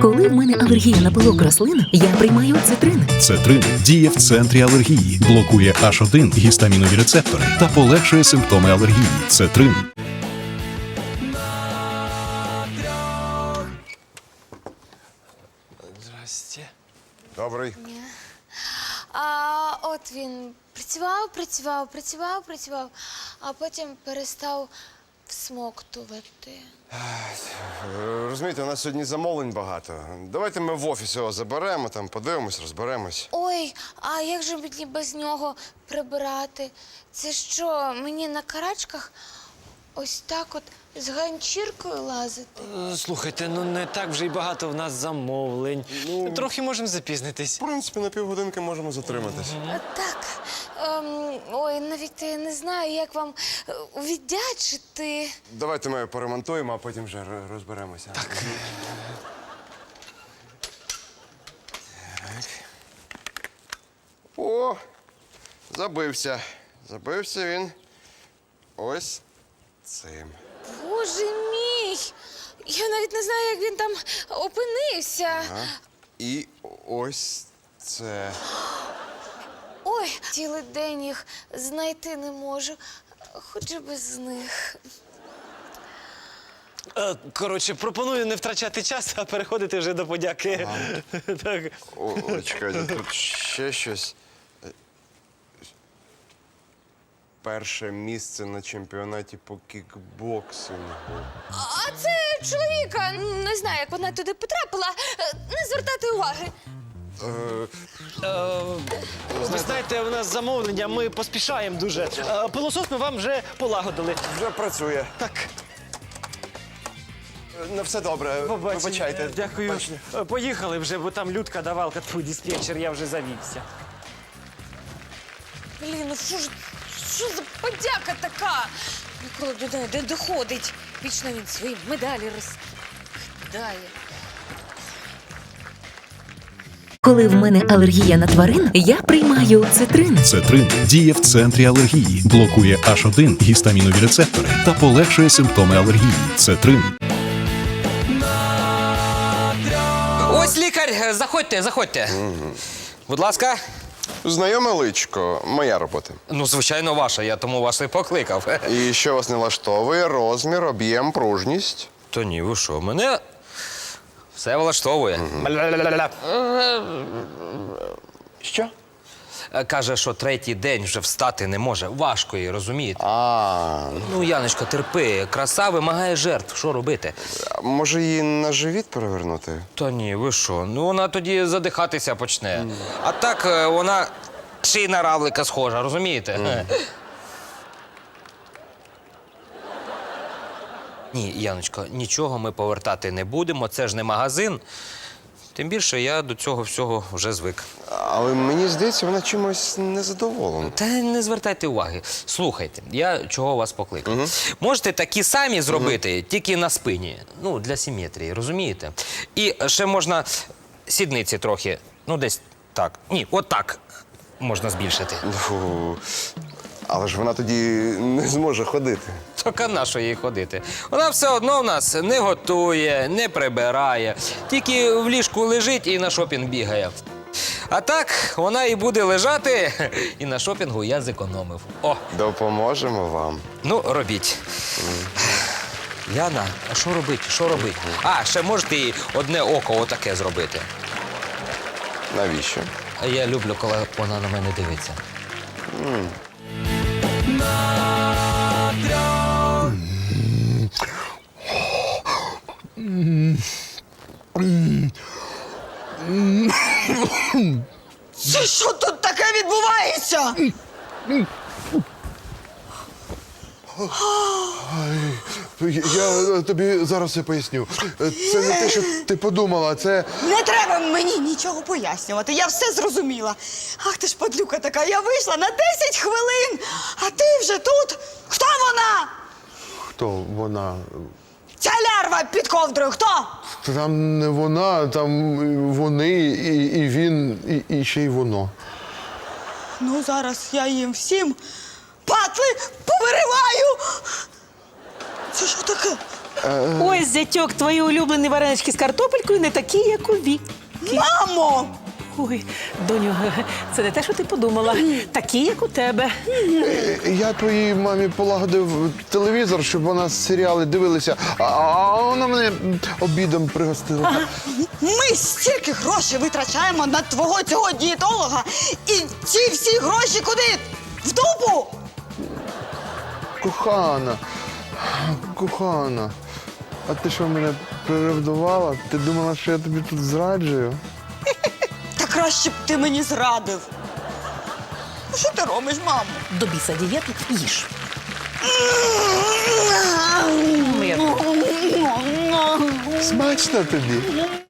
Коли в мене алергія на пилок рослин, я приймаю цитрин. Цетрин діє в центрі алергії, блокує H1 гістамінові рецептори та полегшує симптоми алергії. Цетрин. Здрасте. Добрий. От він працював, а потім перестав всмоктувати. Розумієте, у нас сьогодні замовлень багато. Давайте ми в офісі його заберемо, там подивимось, розберемось. Ой, а як же мені без нього прибирати? Це що, мені на карачках ось так от з ганчіркою лазити? Слухайте, ну не так вже й багато в нас замовлень. Трохи можемо запізнитись. В принципі, на півгодинки можемо затриматись. Так. Ой, навіть я не знаю, як вам віддячити. Давайте ми поремонтуємо, а потім вже розберемося. Так. О, забився. Забився він ось цим. Боже мій! Я навіть не знаю, як він там опинився. Ага. І ось це. Ой, цілий день їх знайти не можу, хоч і без них. Коротше, пропоную не втрачати час, а переходити вже до подяки. Так. О, чекайте, тут ще щось. Перше місце на чемпіонаті по кікбоксингу. А це чоловіка. Не знаю, як вона туди потрапила. Не звертайте уваги. Ви знаєте, у нас замовлення, ми поспішаємо дуже. Пилосос ми вам вже полагодили. Вже працює. Так, На все добре. побачення. Вибачайте. Дякую. Побачення. Поїхали вже, бо там Людка давалка, твій диспетчер, я вже завівся. Блін, ну що за подяка така? Ніколи до неї не доходить. Вічно він свої медалі розкидає. Коли в мене алергія на тварин, я приймаю цитрин. Цетрин діє в центрі алергії, блокує H1 гістамінові рецептори та полегшує симптоми алергії. Цетрин. Ось лікар, заходьте. Будь ласка. Знайоме личко, моя робота. Ну, звичайно, ваша, я тому вас і покликав. І що вас не влаштовує? Розмір, об'єм, пружність? То ні, ви що, мене все влаштовує. Що? Каже, що третій день вже встати не може. Важко їй, розумієте? Ну, Яночко, терпи, краса вимагає жертв. Що робити? Може її на живіт перевернути? Та ні, ви що? Ну, вона тоді задихатися почне. А так вона ще й на равлика схожа, розумієте? Ні, Яночко, нічого ми повертати не будемо, це ж не магазин. Тим більше я до цього всього вже звик. Але мені здається, вона чимось незадоволена. Та не звертайте уваги. Слухайте, я чого вас покликав. Можете такі самі зробити, тільки на спині. Ну, для симетрії, розумієте? І ще можна сідниці трохи, ну десь так. Ні, отак можна збільшити. Фу. Але ж вона тоді не зможе ходити. Так а на що їй ходити? Вона все одно в нас не готує, не прибирає. Тільки в ліжку лежить і на шопінг бігає. А так, вона і буде лежати, і на шопінгу я зекономив. О, Допоможемо вам. ну, робіть. Яна, а що робити? Що робити? А, ще можете їй одне око отаке зробити. Навіщо? А я люблю, коли вона на мене дивиться. Це що тут таке відбувається? Я тобі зараз все поясню. Це не те, що ти подумала, це... Не треба мені нічого пояснювати, я все зрозуміла. Ах ти ж падлюка така, я вийшла на 10 хвилин, а ти вже тут? Хто вона? Хто вона? Ця лярва під ковдрою, хто? Там не вона, там вони, і він, і ще й воно. Ну, зараз я їм всім патли повириваю. Це що таке? Ось, зятьок, твої улюблені варенички з картопелькою не такі, як у Віки. Мамо! Ой, доню, це не те, що ти подумала. Такі, як у тебе. Я твоїй мамі полагодив телевізор, щоб вона серіали дивилася, а вона мене обідом пригостила. Ми стільки грошей витрачаємо на твого цього дієтолога, і ці всі гроші куди? В дупу? Кохана, а ти що, мене приревдувала? Ти думала, що я тобі тут зраджую? Та краще б ти мені зрадив. Ну, що ти робиш, мамо? До біса дієту їж. Смачно тобі.